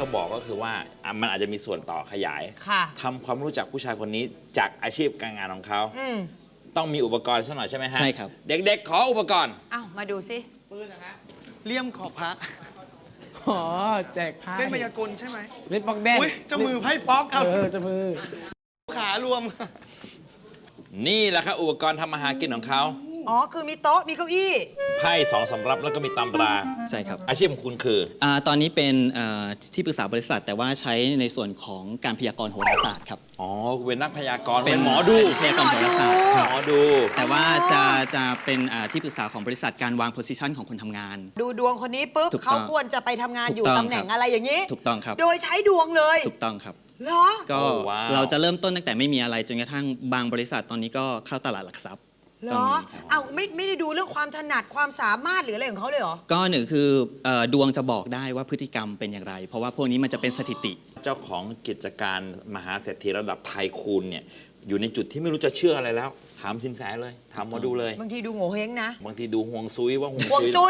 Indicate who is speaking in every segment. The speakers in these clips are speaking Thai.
Speaker 1: เขาบอกก็คือว่ามันอาจจะมีส่วนต่อขยาย
Speaker 2: ค่ะ
Speaker 1: ทำความรู้จักผู้ชายคนนี้จากอาชีพการงานของเขา ต้องมีอุปกรณ์สักหน่อยใช่ไหมฮะ
Speaker 3: ใช่ครับ
Speaker 1: เด็กๆ ขออุปกรณ์
Speaker 2: เอ้ามาดูสิ
Speaker 4: ปืนนะฮะ
Speaker 5: เลี่ยมขอบพระ
Speaker 4: อ๋อแจกผ้า
Speaker 5: เล่นมายากลใช่ไหม
Speaker 4: เล่นปอกแดง
Speaker 5: อุ้ยเจามือไพ่ป๊อกเอา
Speaker 4: เจะมือ
Speaker 5: ขารวม
Speaker 1: นี่แหละครับอุปกรณ์ทำอาหารกินของเขา
Speaker 2: อ๋อ คือมีโต๊ะ มีเก้าอี้
Speaker 1: ไพ่2 สำรับแล้วก็มีตำรา
Speaker 3: ใช่ครับ
Speaker 1: อาชีพของคุณคือ
Speaker 3: ตอนนี้เป็นที่ปรึกษาบริษัท แต่ว่าใช้ในส่วนของการพยากรณ์โหราศาสตร์ครับ
Speaker 1: อ๋อเป็นนักพยากรณ์เป็นหมอดู
Speaker 3: พยากรณ์โหราศาสตร์ครับ
Speaker 1: หมอดู
Speaker 3: แต่ว่าจะเป็นที่ปรึกษาของบริษัทการวางโพสิชันของคนทำงาน
Speaker 2: ดูดวงคนนี้ปุ๊บ
Speaker 3: ถูกต้อง
Speaker 2: เขาควรจะไปทำงานอยู่
Speaker 3: ถูกต้อง
Speaker 2: ตำแหน่ง
Speaker 3: ครับ
Speaker 2: อะไรอย่างนี้
Speaker 3: ถูกต้องครับ
Speaker 2: โดยใช้ดวงเลย
Speaker 3: ถูกต้องครับ
Speaker 2: เหรอ
Speaker 3: ก็
Speaker 1: โอ้ว้าว
Speaker 3: เราจะเริ่มต้นตั้งแต่ไม่มีอะไรจนกระทั่งบางบริษัทตอนนี้ก็เข้าตลาดหลักทรัพย์
Speaker 2: เหรอ เอ้าไม่ได้ดูเรื่องความถนัดความสามารถหรืออะไรของเขาเลยเหรอ
Speaker 3: ก็หนึ่งคือดวงจะบอกได้ว่าพฤติกรรมเป็นอย่างไร เพราะว่าพวกนี้มันจะเป็นสถิติ
Speaker 1: เจ้าของกิจการมหาเศรษฐีระดับไทคูนเนี่ยอยู่ในจุดที่ไม่รู้จะเชื่ออะไรแล้ว ถามสินแสเลย ถามหมอดูเลย
Speaker 2: บางทีดูโง่เฮงนะ
Speaker 1: บางทีดูห่วงซุยว่าห่วง
Speaker 2: ห่วงจุ้ย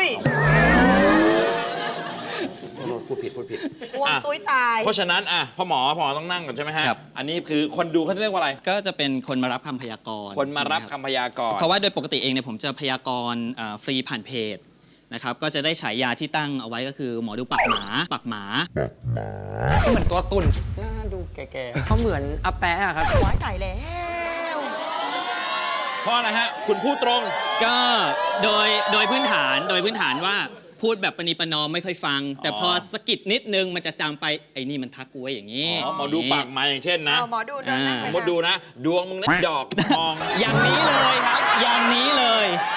Speaker 1: พูดผิด
Speaker 2: ห่วง
Speaker 1: อ่ะ
Speaker 2: ซุยตาย
Speaker 1: เพราะฉะนั้นพ่อหมอต้องนั่งก่อนใช่ไหมฮะ
Speaker 3: ครับ
Speaker 1: อันนี้คือคนดูเขาเรียกว่าอะไร
Speaker 3: ก็จะเป็นคนมารับคำพยากรณ์
Speaker 1: คนมารับ
Speaker 3: ะ
Speaker 1: คำพยากรณ์
Speaker 3: เพราะว่าโดยปกติเองเนี่ยผมจะพยากรณ์ฟรีผ่านเพจนะครับ ก็จะได้ฉายาที่ตั้งเอาไว้ก็คือหมอดูปักหมา
Speaker 4: เหมือนตัวตุ่นหน้าดูแก่ๆเขาเหมือนอาแปะอะครับ
Speaker 2: ว้ายตายแล้ว
Speaker 1: เพราะอะไรฮะ คุณพูดตรง
Speaker 3: ก็โดยพื้นฐานว่าพูดแบบประนีประนอมไม่ค่อยฟัง แต่พอสะกิดนิดนึงมันจะจำไปไอ้นี่มันทักกูไว้อย่างนี้
Speaker 1: หมอดูปากมาอย่างเช่นนะ
Speaker 2: เอาหมอดูเดินนั่ง
Speaker 1: ส
Speaker 2: เล
Speaker 1: ม
Speaker 2: ย
Speaker 1: มติดู
Speaker 2: ค่ะ
Speaker 1: นะ ดวงมึงนะดอกมอง
Speaker 3: อย่างนี้เลยครับ อย่างนี้เลย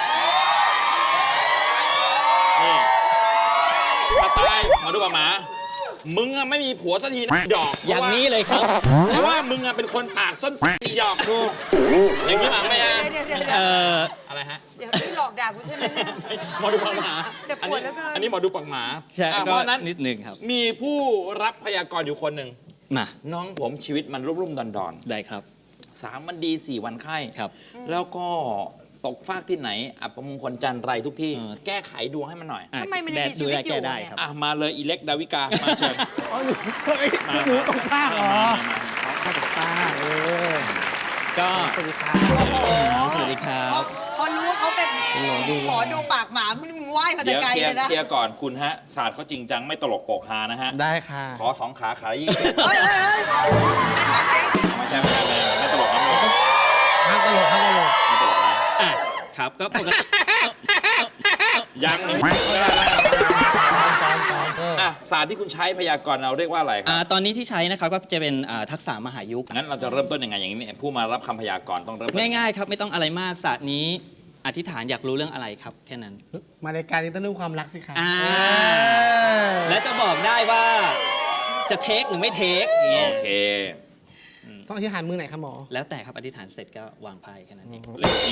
Speaker 1: นี่สไตล์หมอดูปากหมา มึงอะไม่มีผัวสักทีนะดอก
Speaker 3: อย่างนี้เลยครับ
Speaker 1: เพราะว่ามึงอะเป็นคนปากส้นหยอกดูอย่างนี้หมาไหมฮะ
Speaker 2: เดี๋ยว
Speaker 1: อะไรฮะ
Speaker 2: เดี๋ยวนี่หลอกด่ากูใช่ไหมเนี่ย
Speaker 1: หมอดูปากหมา
Speaker 2: เจ็บปวดเหลือเกิน
Speaker 1: อันนี้หมอดูปากหมา
Speaker 3: ใช่
Speaker 1: เพ
Speaker 3: ก็
Speaker 1: ราะฉะนั้น
Speaker 3: นิดนึงครับ
Speaker 1: มีผู้รับพยากรณ์อยู่คนหนึ่ง
Speaker 3: มา
Speaker 1: น้องผมชีวิตมันรุ่มๆดอน
Speaker 3: ได้ครับ
Speaker 1: ๆ3 วันดี 4 วันไข้
Speaker 3: ครับ
Speaker 1: แล้วก็ตกฟากที่ไหน อับประมงคลจันไรทุกที่
Speaker 3: เออ
Speaker 1: แก้ไขดวงให้มันหน่อย
Speaker 3: อ่ะ
Speaker 2: ทำไมมันยังมีชีวิตอยู่
Speaker 3: แก้ได้
Speaker 2: เนี่ย
Speaker 3: ครับ
Speaker 1: มาเลยอีเล็กดาวิกา มาเชิญ
Speaker 4: อ๋อหนูหนูตกผ้าเหรอผ้าตกผ้า
Speaker 3: ก็
Speaker 4: สวัสดีครับ
Speaker 3: สวัสดีครั
Speaker 2: พ
Speaker 3: บ
Speaker 2: อรู้ว่าเขาเป็นหมอดูปากหมามึงไหว้มาแต่
Speaker 1: เดี๋ยว
Speaker 2: ไกล
Speaker 1: เคลีย
Speaker 2: เลยนะ
Speaker 1: ร์ก่อนคุณฮะ ศาสตร์เขาจริงจังไม่ตลกโปกฮานะฮะ
Speaker 4: ได้ค่ะ
Speaker 1: ขอ2 ขาขายี่
Speaker 2: เฮ้ย
Speaker 1: ไม่ใช่ไม่ตลกนะ
Speaker 4: ห้ามตลกห้ามตลก
Speaker 1: ไม่ตลกนะ
Speaker 3: อ่ะครับก็ปกติ
Speaker 1: ยังหนึ่ง
Speaker 4: ซ้อม
Speaker 1: ศาสตร์ที่คุณใช้พยากรณ์เราเรียกว่าอะไรครับ
Speaker 3: ตอนนี้ที่ใช้นะครับก็จะเป็นทักษะมหายุกต์
Speaker 1: งั้นเราจะเริ่มต้นยังไงอย่างนี้ผู้มารับคำพยากรณ์ต้องเริ่มต้น
Speaker 3: ง่ายๆครับไม่ต้องอะไรมากศาสตร์นี้อธิษฐานอยากรู้เรื่องอะไรครับแค่นั้น
Speaker 4: มารายการนี้ต้องเรื่องความรักสิคะ
Speaker 3: และจะบอกได้ว่าจะเทคหรือไม่เทคอย่างเงี้ย
Speaker 1: โอเค
Speaker 4: ต้องอธิษฐานมือไหนคะหมอ
Speaker 3: แล้วแต่ครับอธิษฐานเสร็จก็วางไพ่แค่นั้นเอง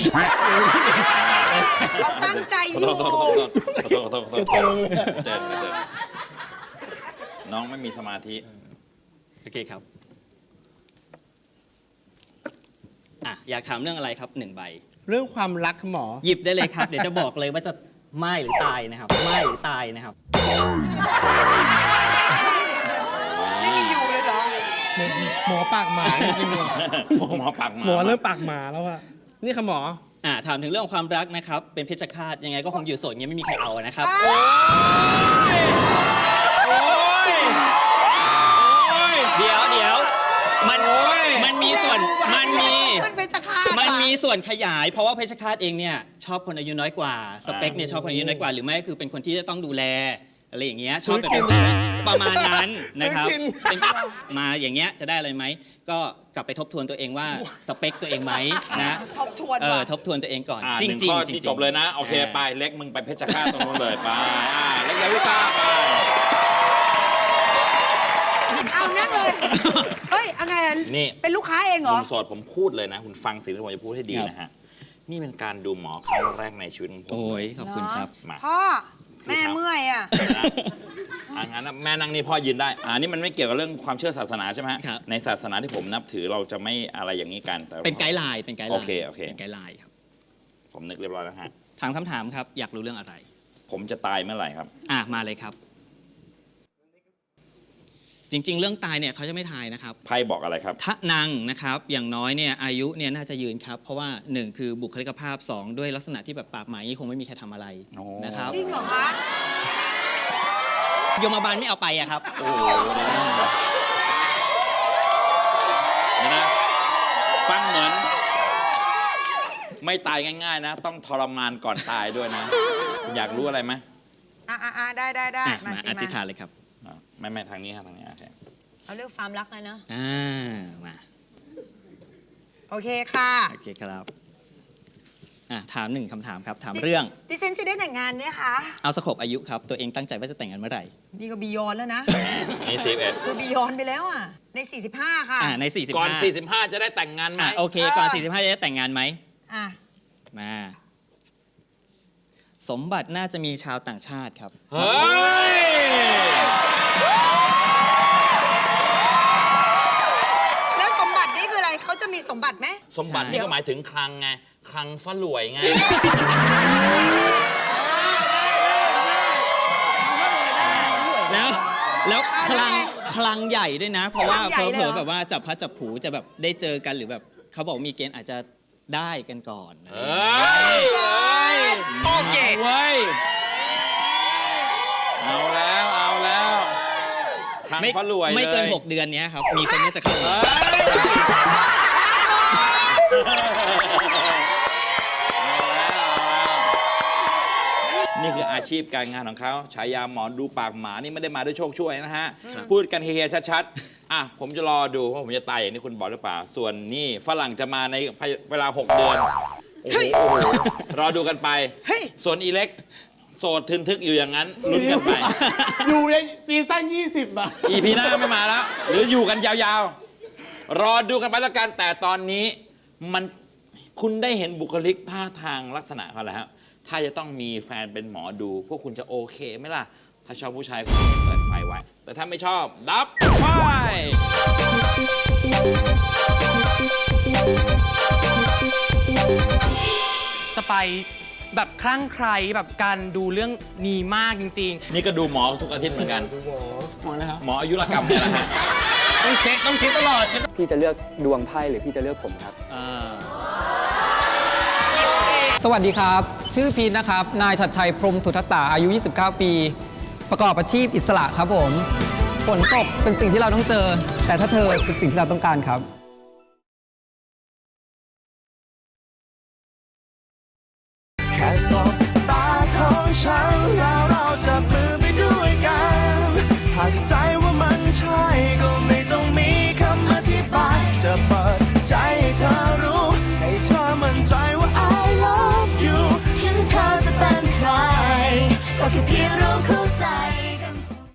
Speaker 2: เขาตั้งใจอยู่
Speaker 1: ขอโทษเจอน้องไม่มีสมาธิ
Speaker 3: โอเคครับอยากถามเรื่องอะไรครับ1 ใบ
Speaker 4: เรื่องความรักค่ะหมอ
Speaker 3: หยิบได้เลยครับ เดี๋ยวจะบอกเลยว่าจะไม่หรือตายนะครับไม่หรือตายนะครับ
Speaker 2: ไม่มีอยู่เลยเหรอ
Speaker 4: หมอปากหมาจริงๆเลย
Speaker 1: หมอปากหมา
Speaker 4: หมอเริ่มปากหมาแล้วอะนี่ค่ะหมอ
Speaker 3: ถามถึงเรื่องของความรักนะครับเป็นเพชฌฆาตยังไงก็คงอยู่โสดเงี้ยไม่มีใครเอานะครับ เดี๋ยวมันมีส่วน
Speaker 2: มันเป็นจะฆ่า
Speaker 3: มันมีส่วนขยาย เพราะว่าเพชฌฆาตเองเนี่ยชอบคนอายุน้อยกว่าสเปคเนี่ยชอบคนอายุน้อยกว่าหรือไม่ก็คือเป็นคนที่จะต้องดูแลอะไรอย่างเงี้ยชอบแบบเป็นสายประมาณนั้นนะครับเป็นมาอย่างเงี้ยจะได้อะไรไหมก็กลับไปทบทวนตัวเองว่าสเปคตัวเองไหมนะ
Speaker 2: ทบทวนว่ะ
Speaker 3: ทบทวนตัวเองก่อน
Speaker 1: หนึ่งข้อที่จบเลยนะ โอเคไปเล็กมึงไปเพชรฆาตตรงนู้นเลยไปเล็กดาวิกาไป
Speaker 2: เอานั่งเลย เฮ้ยอะไรอ่ะ
Speaker 1: นี่
Speaker 2: เป็นลูกค้าเองเหร
Speaker 1: คุ
Speaker 2: อ
Speaker 1: ณโสดผมพูดเลยนะ คุณฟังสิ่งที่ผมจะพูดให้ดีนะฮะ นี่เป็นการดูหมอครั้งแรกในชีวิตของผม
Speaker 3: โอ้ยขอบคุณครับ
Speaker 1: มา
Speaker 2: พ่อ แม่เมื่อยอ่ะ
Speaker 1: งั้นแม่นั่งนี่พ่อยืนได้นี่มันไม่เกี่ยวกับเรื่องความเชื่อศาสนาใช่ไหมฮะ
Speaker 3: ครับ
Speaker 1: ในศาสนาที่ผมนับถือเราจะไม่อะไรอย่างนี้กันแต่
Speaker 3: เป็นไกด์ไลน์โอเค เป็นไกด์ไลน์ครับ
Speaker 1: ผมนึกเรียบร้อยแล้วฮะ
Speaker 3: ถามคำถามครับอยากรู้เรื่องอะไร
Speaker 1: ผมจะตายเมื่อไหร่ครับ
Speaker 3: มาเลยครับจริง ๆ เรื่องตายเนี่ยเขาจะไม่ทายนะครับ
Speaker 1: ไพ่บอกอะไรครับ
Speaker 3: ทะนังนะครับอย่างน้อยเนี่ยอายุเนี่ยน่าจะยืนครับ เพราะว่า 1 คือบุคลิกภาพ 2 ด้วยลักษณะที่แบบปากหมาอย่างนี้คงไม่มีใครทำอะไร
Speaker 1: โอ้
Speaker 3: นะครับ
Speaker 2: จริงเหรอคะ
Speaker 3: โยมบาลไม่เอาไปอะครับ
Speaker 1: โอ้โหเนี่ยนะฟังเหมือน ไม่ตายง่ายๆนะ ต้องทรมานก่อนตายด้วยนะ อยากรู้อะไรไหม
Speaker 2: ได้
Speaker 3: อ่ะ
Speaker 2: มา
Speaker 3: มา
Speaker 2: สิ
Speaker 3: อธิษ
Speaker 2: มา
Speaker 3: ฐานเลยครับ
Speaker 1: ไม่ทางนี้ครับทางนี้โอเค
Speaker 2: เอาเรื่องความรักเลยเนาะ
Speaker 3: มา
Speaker 2: โอเคค่ะ
Speaker 3: โอเคครับถาม1คำถามครับ ถามเรื่อง
Speaker 2: ดิฉันจะได้แต่งงานไหมคะ
Speaker 3: เอาสโคปอายุครับตัวเองตั้งใจว่าจะแต่งงานเมื่อไหร่
Speaker 2: นี่ก็บียอนแล้วนะ
Speaker 1: นี่11
Speaker 2: คือบียอนไปแล้วอ่ะ ใน 45 ค่ะ
Speaker 3: ใน45
Speaker 1: ก่อน 45 จะได้แต่งงานไหม
Speaker 3: โอเคก่อน45จะได้แต่งงานไหม
Speaker 2: อ่ะ
Speaker 3: มาสมบัติน่าจะมีชาวต่างชาติครับ
Speaker 1: เฮ้ย
Speaker 2: แล้วสมบัตินี่คืออะไร เขาจะมีสมบัติไหม
Speaker 1: สมบัตินี่
Speaker 2: ใช่
Speaker 1: ก็หมายถึงคลังไง คลังฝรวยไง
Speaker 3: แล้วคลังใหญ่ด้วยนะ เพราะว่า
Speaker 2: คลังใหญ่เลยเหรอ
Speaker 3: เผลอๆแบบว่าจับพลัดจับผลูจะแบบได้เจอกันหรือแบบเขาบอกมีเกณฑ์อาจจะได้กันก่อน
Speaker 1: เฮ้ย
Speaker 2: โอเค
Speaker 1: เว้ย เอาแล้วคลัง
Speaker 3: ไม่
Speaker 1: ฝรวยเลย
Speaker 3: ไม่เกิน 6 เดือนเนี้ยครับ มีคนนี้จะเข้ามา
Speaker 1: เฮ้ยนี่คืออาชีพการงานของเขาฉายาหมอดูปากหมานี่ไม่ได้มาด้วยโชคช่วยนะฮะ พูดกันเฮียๆชัดๆผมจะรอดูว่าผมจะตายอย่างที่คุณบอกหรือเปล่า ส่วนนี่ฝรั่งจะมาในเวลา 6 เดือน โอ้โหรอดูกันไป
Speaker 2: เฮ้ย
Speaker 1: ส่วนอีเล็ก โสดทึนทึกอยู่อย่างนั้นลุ้นกันไป
Speaker 5: อยู่ในซีซั่น20 อ่ะ
Speaker 1: EP หน้าไม่มาแล้ว หรืออยู่กันยาวๆ รอดูกันไปแล้วกัน แต่ตอนนี้มันคุณได้เห็นบุคลิกท่าทางลักษณะเขาแล้ว ถ้าจะต้องมีแฟนเป็นหมอดู พวกคุณจะโอเคไหมล่ะ ถ้าชอบผู้ชายคุณเปิดไฟไว้ แต่ถ้าไม่ชอบ ดับไฟ
Speaker 4: สไปแบบคลั่งไคล้แบบการดูเรื่องนี้มากจริง
Speaker 1: นี่ก็ดูหมอทุกอาทิตย์เหมือนกัน
Speaker 4: ๆหมดแล้วครับ
Speaker 1: หมออายุรกรรมเนี่ยนะฮะ
Speaker 4: ต้องเช็คตลอดเช็ค
Speaker 6: พี่จะเลือกดวงไพ่หรือพี่จะเลือกผมครับ
Speaker 7: สวัสดีครับ ชื่อพีทนะครับ นายชัดชัยพรหมสุทัศตาอายุ 29 ปี ประกอบอาชีพอิสระครับผม ฝนตกเป็นสิ่งที่เราต้องเจอ แต่ถ้าเธอเป็นสิ่งที่เราต้องการครับ